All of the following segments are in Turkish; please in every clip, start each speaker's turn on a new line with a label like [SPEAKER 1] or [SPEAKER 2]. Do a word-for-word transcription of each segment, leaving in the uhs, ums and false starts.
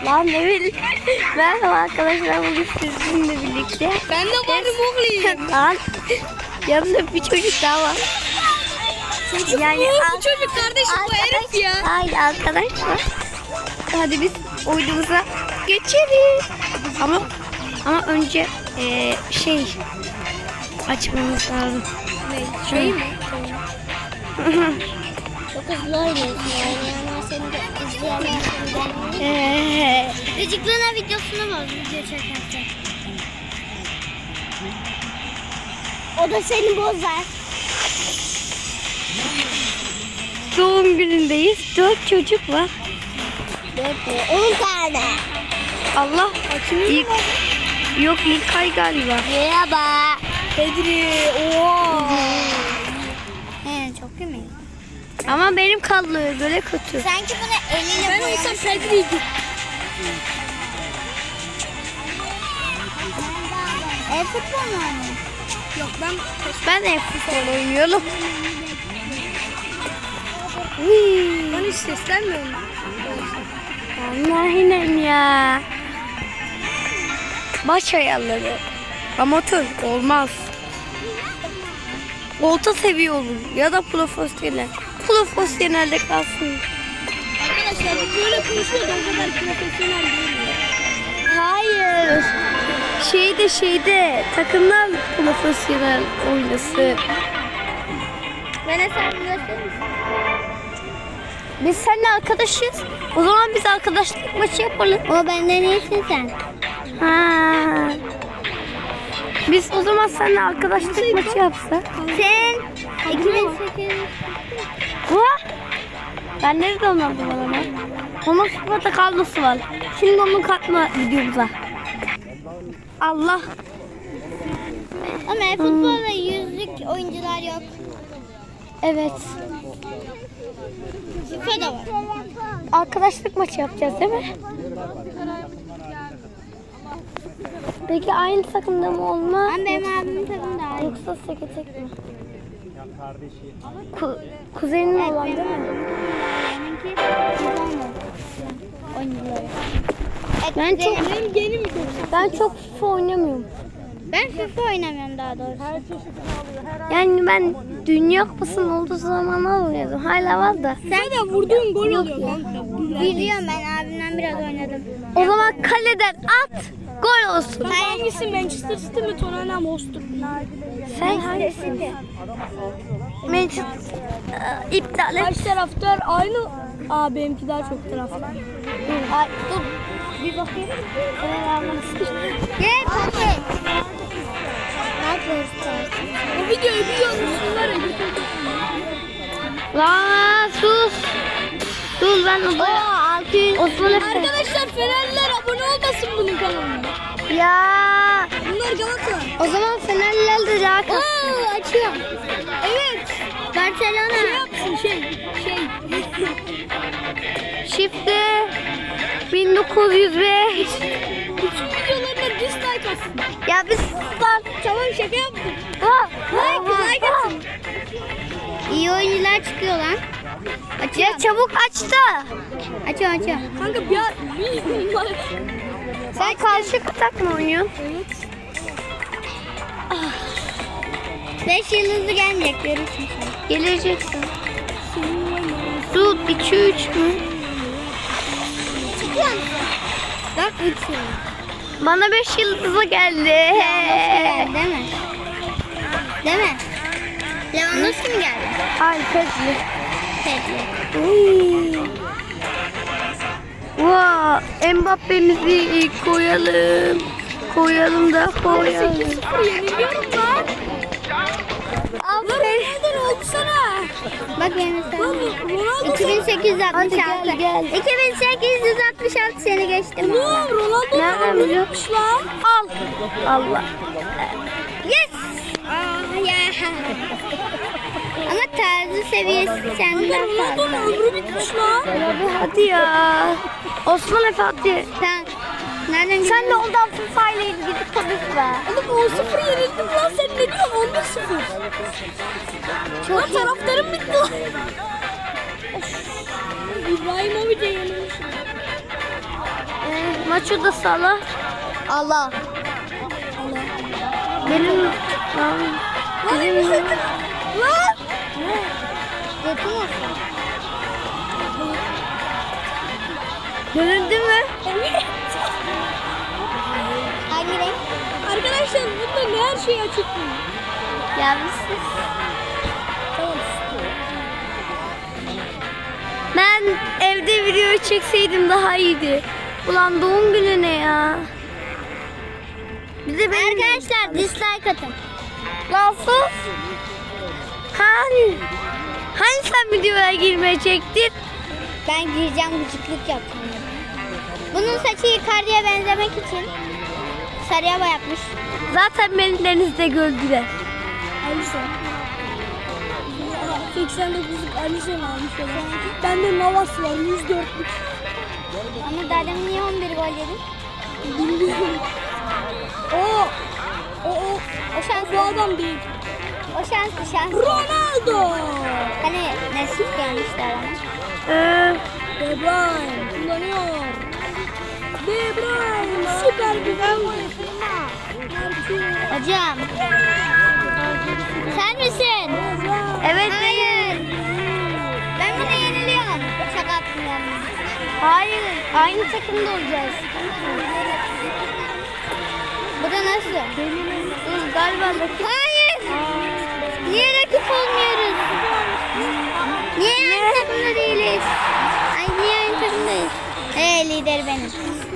[SPEAKER 1] Lan ne bileyim. Merhaba arkadaşlar, bugün sizinle birlikte.
[SPEAKER 2] Ben de varım oğlum.
[SPEAKER 1] Lan yanımda bir çocuk daha var.
[SPEAKER 2] Çocuk yani mu? Bu çocuk kardeşim, bu herif ya.
[SPEAKER 1] Hayır, arkadaş var. Hadi biz oyunumuza geçelim. Ama ama önce e, şey açmamız lazım.
[SPEAKER 2] Ne? Şey mi?
[SPEAKER 3] Çok hızlı oynuyorsun yani. Yani seni de izleyenler seni
[SPEAKER 1] Eee.
[SPEAKER 3] gıcıklığına videosunu var video çekerken. O da seni bozar.
[SPEAKER 1] Doğum günündeyiz. Dört çocuk var.
[SPEAKER 3] Dört mü? On tane.
[SPEAKER 1] Allah. İlk, yok ilk ay galiba.
[SPEAKER 3] Merhaba.
[SPEAKER 2] Pedri. Oo.
[SPEAKER 3] He, çok iyi mi?
[SPEAKER 1] Ama benim kaldı böyle kötü.
[SPEAKER 3] Sanki bunu eliyle
[SPEAKER 2] Ben
[SPEAKER 3] boyamış.
[SPEAKER 2] olsam Pedri'ydi.
[SPEAKER 3] E futbol mu oynuyor?
[SPEAKER 2] Yok ben
[SPEAKER 1] Ben de futbol oynuyorum.
[SPEAKER 2] ben hiç seslenmiyorum.
[SPEAKER 1] Allah'ım ya. Baş ayarları. Amatör olmaz. Orta seviye olur ya da profesyonel. Profesyonelde kalsın.
[SPEAKER 2] Arkadaşlar bu böyle konuşuyor da o kadar profesyonel değil.
[SPEAKER 1] Hayır. Şeyde şeyde takımlar profesyonel oynasın.
[SPEAKER 3] Bana sen gösterir misin?
[SPEAKER 1] Biz seninle arkadaşız. O zaman biz arkadaşlık maçı yapalım.
[SPEAKER 3] O benden iyisin sen.
[SPEAKER 1] Ha. Biz o zaman seninle arkadaşlık maçı yapsak.
[SPEAKER 3] Sen iki bin sekiz.
[SPEAKER 1] Vah! Ben nerede onardım adamı? Onun sıfata kablosu var. Şimdi onu katma videomuza. Allah.
[SPEAKER 3] Ama futbolda yüzlük oyuncular yok.
[SPEAKER 1] Evet.
[SPEAKER 3] FIFA da var.
[SPEAKER 1] Arkadaşlık maçı yapacağız değil mi? Peki aynı takımda mı olma?
[SPEAKER 3] Ama benim abimin takımı daha iyi.
[SPEAKER 1] Yoksa seke tek mi? Ku kuzenin olan değil mi?
[SPEAKER 3] Benimki FIFA mı? Oyuncuları.
[SPEAKER 1] Ben çok
[SPEAKER 2] Benim geni mi çok?
[SPEAKER 1] ben çok FIFA oynamıyorum.
[SPEAKER 3] Ben FIFA oynamıyorum daha doğrusu.
[SPEAKER 1] Yani ben Dünya Kupası'nın olduğu zamanlar oynuyordum. Hala var da.
[SPEAKER 2] Sen de vurduğun gol oluyor kanka.
[SPEAKER 3] Biliyorum, ben abimden biraz oynadım.
[SPEAKER 1] O zaman kaleden at, gol olsun.
[SPEAKER 2] Hangisi, Manchester City mi, Tottenham Hotspur?
[SPEAKER 1] Sen hangisin? Manchester Aa, iptal et.
[SPEAKER 2] Kaç taraftar aynı? Aa benimki daha çok taraftar.
[SPEAKER 1] Ay, dur. Bir bakayım. Evet, anlamışsın.
[SPEAKER 3] Gel bakayım. Ne yapıyorsun?
[SPEAKER 2] Bu videoyu biliyorsunuz var ya.
[SPEAKER 1] Lan sus. Dur ben odaya. Osman Efe.
[SPEAKER 2] Arkadaşlar Fenerliler abone olmasın bunun kanalına.
[SPEAKER 1] Ya.
[SPEAKER 2] Bunlar Galatasaray.
[SPEAKER 1] O zaman Fenerliler de daha kalsın.
[SPEAKER 3] Oo, açıyorum.
[SPEAKER 2] Evet. Şey
[SPEAKER 3] Barcelona.
[SPEAKER 2] yapsın şey. Şey.
[SPEAKER 1] Şifre bin dokuz yüz beş.
[SPEAKER 2] Bütün videolarına dislike atsın.
[SPEAKER 1] Ya biz lan.
[SPEAKER 2] Tamam şaka yaptım.
[SPEAKER 1] Ah,
[SPEAKER 2] Like, like
[SPEAKER 1] ah.
[SPEAKER 2] atın.
[SPEAKER 3] İyi oyuncular çıkıyor lan.
[SPEAKER 1] Ya çabuk aç da.
[SPEAKER 3] Açıyorum açıyorum.
[SPEAKER 2] Kanka bir, bir bunlar.
[SPEAKER 1] Sen karşı kutak mı oynuyorsun?
[SPEAKER 2] Evet.
[SPEAKER 3] Beş yıldızlı gelmeyecek, görürsün sen.
[SPEAKER 1] Geleceksin. Dur iki üç mü?
[SPEAKER 3] Çıkıyor musun? Bak üç yıldız.
[SPEAKER 1] Bana beş yıldızı geldi.
[SPEAKER 3] Lewandowski geldi değil mi? Değil mi? Lewandowski mi geldi?
[SPEAKER 1] Hayır, Pedri.
[SPEAKER 3] Pedri.
[SPEAKER 1] Vaa, Mbappe'mizi koyalım. Koyalım da koyalım.
[SPEAKER 2] Yeniliyorum lan.
[SPEAKER 1] Aferin.
[SPEAKER 2] Neden oldu sana?
[SPEAKER 3] Bak benim sen.
[SPEAKER 2] Ronaldo
[SPEAKER 3] iki bin sekiz yüz altmış altı.
[SPEAKER 1] Hadi gel, gel.
[SPEAKER 3] iki bin sekiz yüz altmış altı seni geçtim.
[SPEAKER 2] Oğlum Ronaldo
[SPEAKER 1] Nereden
[SPEAKER 2] ne
[SPEAKER 1] biliyor?
[SPEAKER 2] yapmış lan?
[SPEAKER 1] Al. Allah.
[SPEAKER 3] Yes. Aa, ya. Ama tarzı seviyesi senden
[SPEAKER 2] Ronaldo'nun
[SPEAKER 3] fazla.
[SPEAKER 2] ömrü bitmiş lan.
[SPEAKER 1] Ya bir hadi ya. Osman Efe hadi.
[SPEAKER 3] Sen nereden
[SPEAKER 1] Sen de ondan FIFA ile ilgili konuş be.
[SPEAKER 2] Oğlum on sıfır yenildim lan, sen ne diyorsun? on bir sıfır. Lan taraftarım bitti lan. İbrahimovic yenilmiş.
[SPEAKER 1] Ee, Maço da Salah.
[SPEAKER 3] Allah.
[SPEAKER 1] Benim lan, bizim
[SPEAKER 2] Lan.
[SPEAKER 3] Yakın olsun.
[SPEAKER 1] göründü mü?
[SPEAKER 2] Evet.
[SPEAKER 3] Hangi renk?
[SPEAKER 2] Arkadaşlar bunda ne her şey açık mı?
[SPEAKER 1] Gelmişsiniz.
[SPEAKER 2] Tamam.
[SPEAKER 1] Ben evde video çekseydim daha iyiydi. Ulan doğum günü ne ya? Bize benim
[SPEAKER 3] Arkadaşlar dislike atın.
[SPEAKER 1] Lan sus. Hani? Hani sen videoya girmeyecektin?
[SPEAKER 3] Ben gireceğim, gıcıklık yapacağım. Bunun saçı Icardi'ye benzemek için sarıya boyatmış.
[SPEAKER 1] Zaten beni denizde gördüler.
[SPEAKER 2] Alison. seksen dokuzluk Alison almış olan. Bende Navas var yüz dörtlük.
[SPEAKER 3] Ama daha demin niye on bir gol yedin?
[SPEAKER 2] Bilmiyorum. O o o
[SPEAKER 3] O şans,
[SPEAKER 2] bu adam değil.
[SPEAKER 3] o şanslı şans.
[SPEAKER 2] Ronaldo.
[SPEAKER 3] Hani nasip gelmişler ama.
[SPEAKER 1] Ee,
[SPEAKER 2] De Bruyne kullanıyor. De Bruyne süper güzel gol.
[SPEAKER 3] Hocam. Sen misin?
[SPEAKER 1] evet benim.
[SPEAKER 3] Hayır. Ben bunu yeniliyorum. Şaka yaptım yani.
[SPEAKER 1] Hayır. Aynı takımda olacağız.
[SPEAKER 3] Bu da nasıl?
[SPEAKER 1] Dur galiba rakip.
[SPEAKER 3] Hayır. Niye rakip olmuyoruz? Niye aynı takımda değiliz? Ay niye aynı takımdayız? Ee lider benim.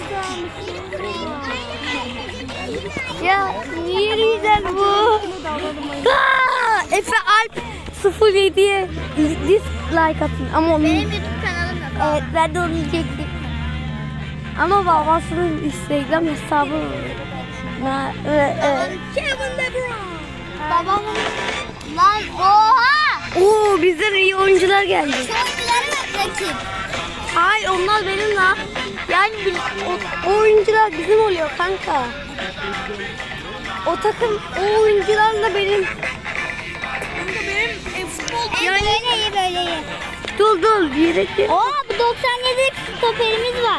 [SPEAKER 1] Ya niye lider bu? Aa, Efe Alp sıfır yediye dislike atın. Ama onun...
[SPEAKER 3] Benim YouTube kanalım yok.
[SPEAKER 1] Evet ben de onu diyecektim. Ama babasının Instagram hesabı var. Evet, evet.
[SPEAKER 2] Kevin De Bruyne.
[SPEAKER 3] Babamın... Lan oha!
[SPEAKER 1] Oo bizden iyi oyuncular geldi.
[SPEAKER 3] Şu oyunculara bak rakip.
[SPEAKER 1] Hayır onlar benim lan. Yani biz, o, o oyuncular bizim oluyor kanka. O takım o oyuncularla benim.
[SPEAKER 2] Kanka benim e, futbol
[SPEAKER 3] Yani böyle iyi böyle iyi.
[SPEAKER 1] Dur dur yedekli.
[SPEAKER 3] Oha bu doksan yedi stoperimiz var.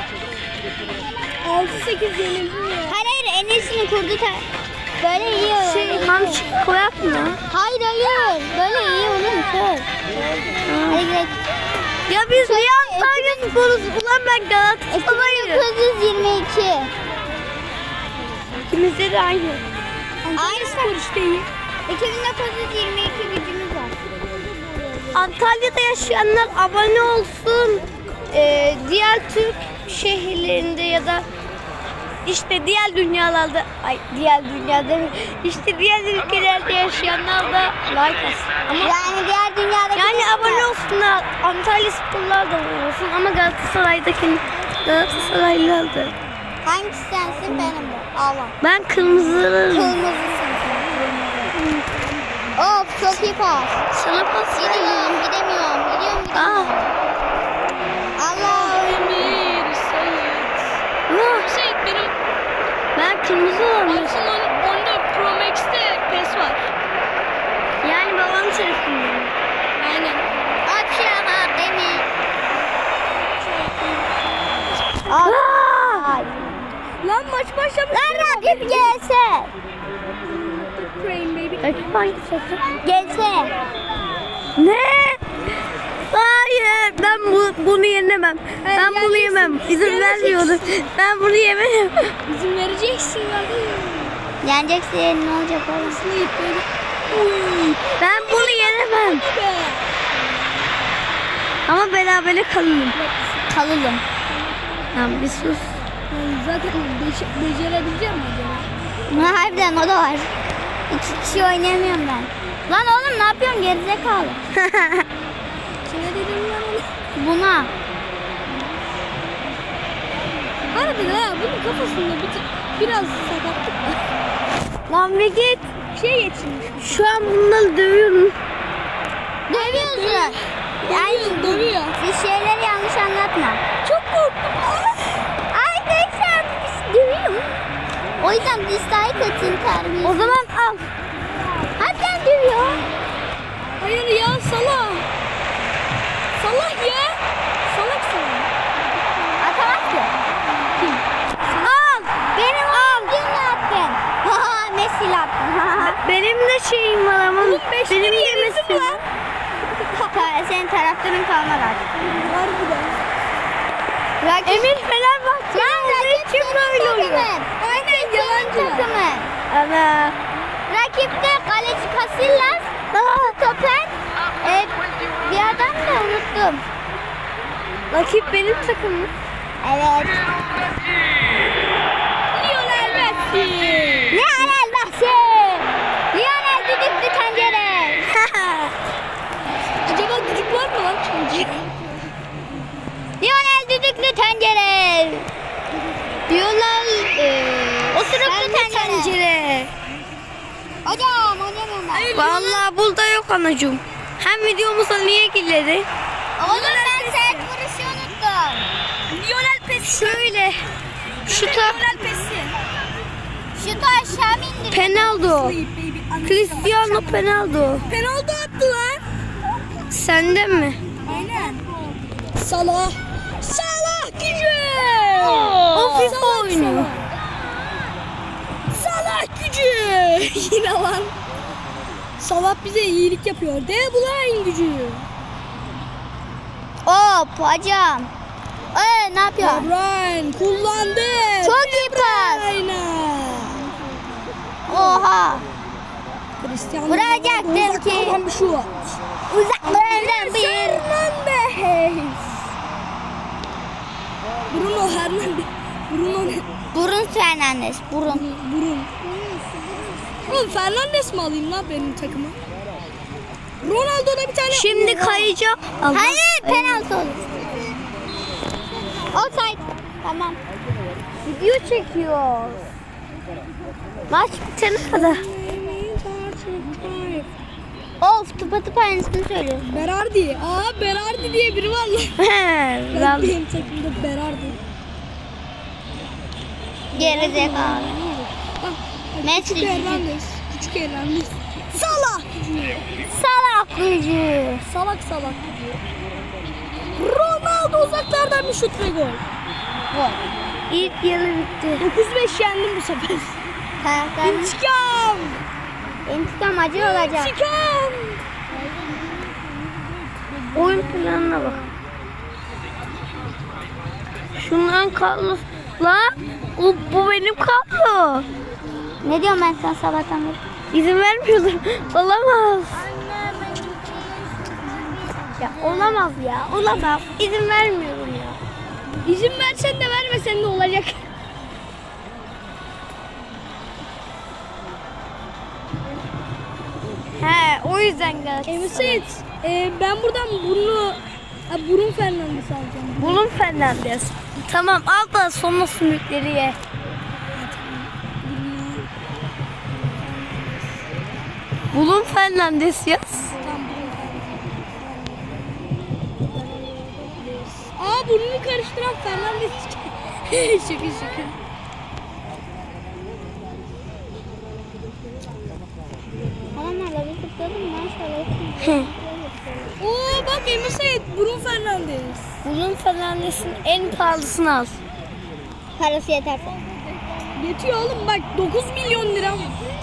[SPEAKER 2] altı sekiz yenildim ya.
[SPEAKER 3] Hayır hayır en iyisini kurdu. Ta- böyle iyi olur.
[SPEAKER 1] Şey hamşik koyak mı?
[SPEAKER 3] Hayır hayır. Böyle iyi olur. Şöyle. Hadi gidelim.
[SPEAKER 1] Ya biz niye Antalya sporuz? Ulan ben Galatasaray'ım.
[SPEAKER 3] iki bin dokuz yüz yirmi iki.
[SPEAKER 1] İkimizde de aynı.
[SPEAKER 3] Aynı spor işte iyi. iki bin dokuz yüz yirmi iki gücümüz var.
[SPEAKER 1] Antalya'da yaşayanlar abone olsun. Ee, diğer Türk şehirlerinde ya da işte diğer dünyalarda, ay diğer dünyada mı? İşte diğer ülkelerde yaşayanlar da like atsın. Ama
[SPEAKER 3] Yani diğer dünyadaki...
[SPEAKER 1] yani abone olsunlar. Antalya sporlar da abone olsun ama Galatasaray'daki Galatasaraylılar da.
[SPEAKER 3] Hangisi sensin benim bu? Allah.
[SPEAKER 1] Ben kırmızı.
[SPEAKER 3] Kırmızısın sen. Of çok iyi pas.
[SPEAKER 1] Sana pas veriyorum.
[SPEAKER 3] Gidemiyorum gidemiyorum. Gidiyorum
[SPEAKER 1] Aa.
[SPEAKER 3] gidemiyorum. Allah.
[SPEAKER 2] Emir, Seyit.
[SPEAKER 1] Ya,
[SPEAKER 2] Seyit benim
[SPEAKER 1] ben kırmızı olanım.
[SPEAKER 2] iPhone on dört Pro Max'te PES var.
[SPEAKER 1] Yani babam tarafından.
[SPEAKER 2] Aynen.
[SPEAKER 3] Aşağı demir.
[SPEAKER 1] Aa!
[SPEAKER 2] Lan maç başlamış.
[SPEAKER 3] Lan rakip gelse.
[SPEAKER 2] Ukraine baby.
[SPEAKER 1] Rakip hangi takım?
[SPEAKER 3] Gelse.
[SPEAKER 1] Ne? Hayır, ben bu, bunu yenemem. Ben bunu yemem. İzin vermiyorum. Ben bunu yemem.
[SPEAKER 2] İzin vereceksin ya.
[SPEAKER 3] Yeneceksin ne olacak oğlum?
[SPEAKER 2] Seyit böyle. Uy.
[SPEAKER 1] Ben bunu yenemem.
[SPEAKER 2] Be.
[SPEAKER 1] Ama berabere kalalım.
[SPEAKER 3] Kalalım.
[SPEAKER 1] Tamam bir sus.
[SPEAKER 2] Yani zaten beş- becerebileceğim mi acaba?
[SPEAKER 3] Ha, harbiden o da var. İki kişi oynayamıyorum ben. Lan oğlum ne yapıyorsun gerizekalı?
[SPEAKER 2] Kime dedim lan onu?
[SPEAKER 3] Buna.
[SPEAKER 2] Harbiden ha bunun kafasında bir tık- biraz sakatlık var.
[SPEAKER 1] Lan bir git.
[SPEAKER 2] Şey geçirmiş.
[SPEAKER 1] Şu an bunları dövüyorum.
[SPEAKER 3] Dövüyorsun. Yani
[SPEAKER 2] Dövüyor.
[SPEAKER 3] bir şeyleri yanlış anlatma.
[SPEAKER 2] Çok korktum.
[SPEAKER 3] Ay tek sen bir dövüyor. O yüzden dislike atın terbiyesi.
[SPEAKER 1] O zaman al.
[SPEAKER 3] Harbiden dövüyor.
[SPEAKER 2] Hayır ya salak. Salak ya. Salak salak.
[SPEAKER 3] Atamaz ki.
[SPEAKER 2] Kim?
[SPEAKER 1] de şeyim var ama benim yemesin.
[SPEAKER 3] Ta- senin taraftarın kalmadı artık.
[SPEAKER 2] Harbiden.
[SPEAKER 3] Rakip,
[SPEAKER 1] Emir Fenerbahçe
[SPEAKER 3] Lan
[SPEAKER 1] olduğu
[SPEAKER 3] rakip
[SPEAKER 1] için
[SPEAKER 3] senin
[SPEAKER 1] böyle oluyor.
[SPEAKER 3] takımın.
[SPEAKER 2] Aynen,
[SPEAKER 3] Rakip senin
[SPEAKER 2] yalancı.
[SPEAKER 3] takımın.
[SPEAKER 1] Ana.
[SPEAKER 3] Rakipte kaleci Casillas, stoper, e, bir adam da unuttum.
[SPEAKER 1] Rakip benim takımım.
[SPEAKER 3] Evet.
[SPEAKER 2] Lionel Messi.
[SPEAKER 3] Lionel Messi. Lionel düdüklü tencere.
[SPEAKER 2] Acaba düdük var mı lan çünkü?
[SPEAKER 3] Lionel düdüklü tencere. Diyorlar e, osuruklu tencere.
[SPEAKER 1] Tencere.
[SPEAKER 3] Hocam oynamıyorum ben.
[SPEAKER 1] Vallahi burada yok anacığım. Hem videomuza niye girdi?
[SPEAKER 3] Oğlum ben sert vuruşu unuttum.
[SPEAKER 2] Lionel Messi.
[SPEAKER 1] Şöyle. Şuta
[SPEAKER 2] Lionel Messi.
[SPEAKER 3] Şutu aşağı mı indir?
[SPEAKER 1] Penaldo.
[SPEAKER 2] Baby, baby.
[SPEAKER 1] Cristiano Penaldo.
[SPEAKER 2] Penaltı attı lan.
[SPEAKER 1] Senden mi?
[SPEAKER 2] Aynen. Salah. Salah gücü.
[SPEAKER 1] O FIFA oynuyor.
[SPEAKER 2] Salah gücü. Yine lan. Salah bize iyilik yapıyor. De Bruyne gücü.
[SPEAKER 3] Hop hocam. Ee, ne yapıyor?
[SPEAKER 2] De Bruyne kullandı.
[SPEAKER 3] Çok iyi pas.
[SPEAKER 2] Aynen.
[SPEAKER 3] Oha.
[SPEAKER 2] Cristiano
[SPEAKER 3] Vuracaktım
[SPEAKER 2] Ronaldo
[SPEAKER 3] ki.
[SPEAKER 2] uzaklardan bir şut.
[SPEAKER 3] Uzaklarından bir.
[SPEAKER 2] Fernandes. Bruno Fernandes. Bruno ne?
[SPEAKER 3] Burun Fernandes. Burun.
[SPEAKER 2] Burun. Oğlum Fernandes mi alayım lan benim takıma? Ronaldo'da bir tane...
[SPEAKER 1] Şimdi kayacak. Allah.
[SPEAKER 3] Hayır penaltı olur. Offside. Tamam.
[SPEAKER 1] Video çekiyor. Maç bitene kadar.
[SPEAKER 3] Of tıpa tıpa aynısını söylüyor.
[SPEAKER 2] Berardi. Aa Berardi diye biri var lan.
[SPEAKER 1] He,
[SPEAKER 2] Ben
[SPEAKER 1] vallahi.
[SPEAKER 2] benim takımda Berardi.
[SPEAKER 3] Gerizekalı.
[SPEAKER 2] Bak.
[SPEAKER 3] Messi.
[SPEAKER 2] Küçük Hernandez. Küçük Hernandez. Salah gücü.
[SPEAKER 3] Salak gücü.
[SPEAKER 2] Salak salak gücü. Ronaldo uzaklardan bir şut ve gol.
[SPEAKER 3] Gol.
[SPEAKER 1] İlk yarı bitti.
[SPEAKER 2] dokuz beş yendim bu sefer.
[SPEAKER 3] Taraftar.
[SPEAKER 2] İntikam.
[SPEAKER 3] İntikam acı olacak.
[SPEAKER 2] İntikam.
[SPEAKER 1] Oyun planına bak. Şundan kablo. Lan bu, bu benim kablo.
[SPEAKER 3] Ne diyorum ben sana sabahtan beri?
[SPEAKER 1] İzin vermiyordum. Olamaz. Ya olamaz ya. Olamaz. İzin vermiyorum ya.
[SPEAKER 2] İzin versen de vermesen de olacak.
[SPEAKER 1] He, o yüzden Galatasaray.
[SPEAKER 2] Evet. E, ben buradan Bruno, ha, Bruno Fernandes alacağım.
[SPEAKER 1] Bulun Fernandes. Tamam al da sonra sümükleri ye. Bulun Fernandes yaz.
[SPEAKER 2] Tamam, Bruno Fernandes. Aa burnunu karıştıran Fernandes. şaka şaka.
[SPEAKER 3] Adamlarla bir kutladım maşallah.
[SPEAKER 2] Oo bak Emre Sait, Bruno Fernandes.
[SPEAKER 1] Bulun Fernandes'in en pahalısını al.
[SPEAKER 3] Parası yeterse.
[SPEAKER 2] Yetiyor oğlum bak dokuz milyon lira.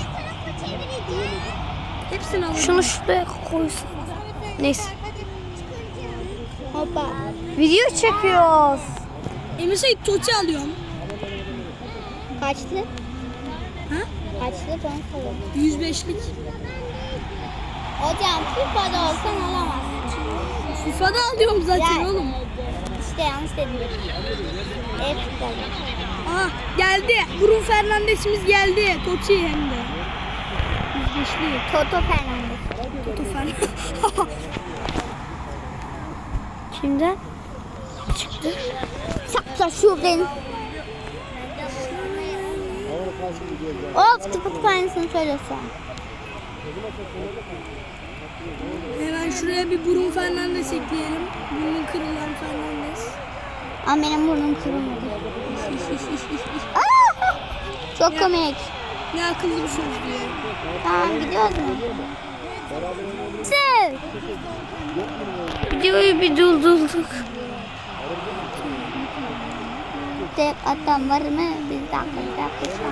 [SPEAKER 2] Hepsini alırım.
[SPEAKER 1] Şunu şuraya koysun. Neyse.
[SPEAKER 3] Hoppa.
[SPEAKER 1] Video çekiyoruz.
[SPEAKER 2] Emre Sait Totti alıyorum.
[SPEAKER 3] Kaçtı?
[SPEAKER 2] Ha?
[SPEAKER 3] Kaçtı ben sorayım.
[SPEAKER 2] yüz beşlik.
[SPEAKER 3] Hocam FIFA'da olsan alamazsın.
[SPEAKER 2] FIFA'da alıyorum zaten
[SPEAKER 3] Ya.
[SPEAKER 2] oğlum.
[SPEAKER 3] İşte yanlış dedim. Evet FIFA'da.
[SPEAKER 2] Aha geldi. Bruno Fernandes'imiz geldi. Totti hem de. yüz beşlik.
[SPEAKER 3] Toto Fernandes.
[SPEAKER 2] Toto Fernandes.
[SPEAKER 1] Kimden? Çıktı.
[SPEAKER 3] Sakla şuradan. Of tıpı tıpı aynısını söylüyorsun.
[SPEAKER 2] Hemen şuraya bir Bruno Fernandes ekleyelim. Burnun kırılan Fernandes.
[SPEAKER 3] Ama benim burnum kırılmadı. Aa! Çok komik.
[SPEAKER 2] Ne akıllı bir söz diyor.
[SPEAKER 3] Tamam gidiyoruz mu? Sev.
[SPEAKER 1] Videoyu bir durdurduk.
[SPEAKER 3] tek atan var mı? Biz de akılda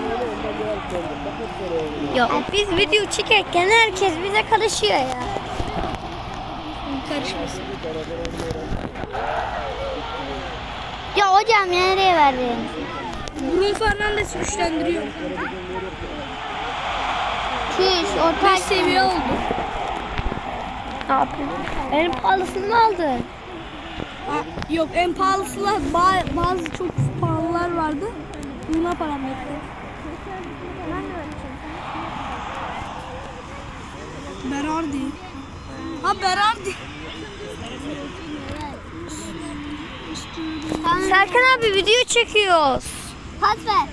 [SPEAKER 1] Ya biz video çekerken herkes bize karışıyor ya.
[SPEAKER 2] Karışmasın.
[SPEAKER 3] Ya hocam nereye verdin?
[SPEAKER 2] Bruno Fernandes güçlendiriyor.
[SPEAKER 3] Çüş orta
[SPEAKER 2] beş seviye oldu.
[SPEAKER 1] Ne yapayım? En pahalısını mı aldın?
[SPEAKER 2] Ha, yok en pahalısılar ba- bazı çok pahalılar vardı. Buna param yetti. Berardi. Ha Berardi.
[SPEAKER 1] Serkan abi video çekiyoruz.
[SPEAKER 3] Pas ver.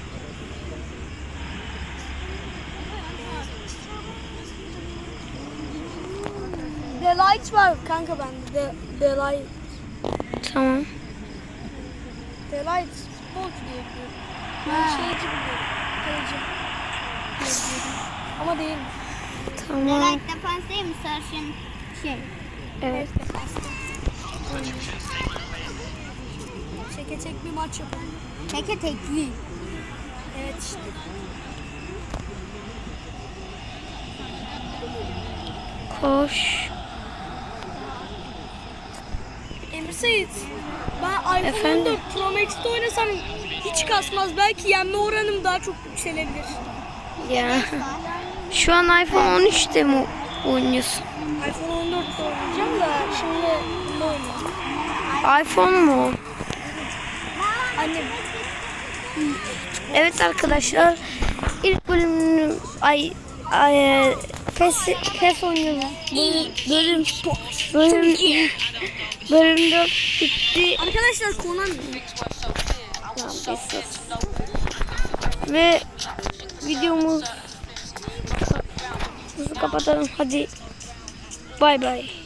[SPEAKER 2] Delight var kanka bende. De, Delight.
[SPEAKER 1] Tamam.
[SPEAKER 2] Delight futbolcu diye biliyorum. Ben şeyci biliyorum. Kaleci. diye biliyorum. Ama değil.
[SPEAKER 1] Tamam.
[SPEAKER 3] Light defans değil mi? Sarışın şey.
[SPEAKER 1] Evet.
[SPEAKER 2] Çeke çek bir maç yapalım.
[SPEAKER 3] Teke tekli.
[SPEAKER 2] Evet işte.
[SPEAKER 1] Koş.
[SPEAKER 2] Emir Sait, ben iPhone
[SPEAKER 1] Efendim?
[SPEAKER 2] on dört Pro Max'te oynasam hiç kasmaz. Belki yenme oranım daha çok yükselebilir.
[SPEAKER 1] Ya. Şu an iPhone on üçte mi oynuyorsun?
[SPEAKER 2] iPhone on dörtte oynayacağım da şimdi ne oynayayım?
[SPEAKER 1] iPhone mu?
[SPEAKER 2] Annem.
[SPEAKER 1] Evet arkadaşlar. İlk bölümünü ay ay PES PES oynuyoruz. Bölüm bölüm bölüm, bölüm dört bitti.
[SPEAKER 2] Arkadaşlar Conan.
[SPEAKER 1] Ve videomuzu kapatalım. Hadi. Bay bay.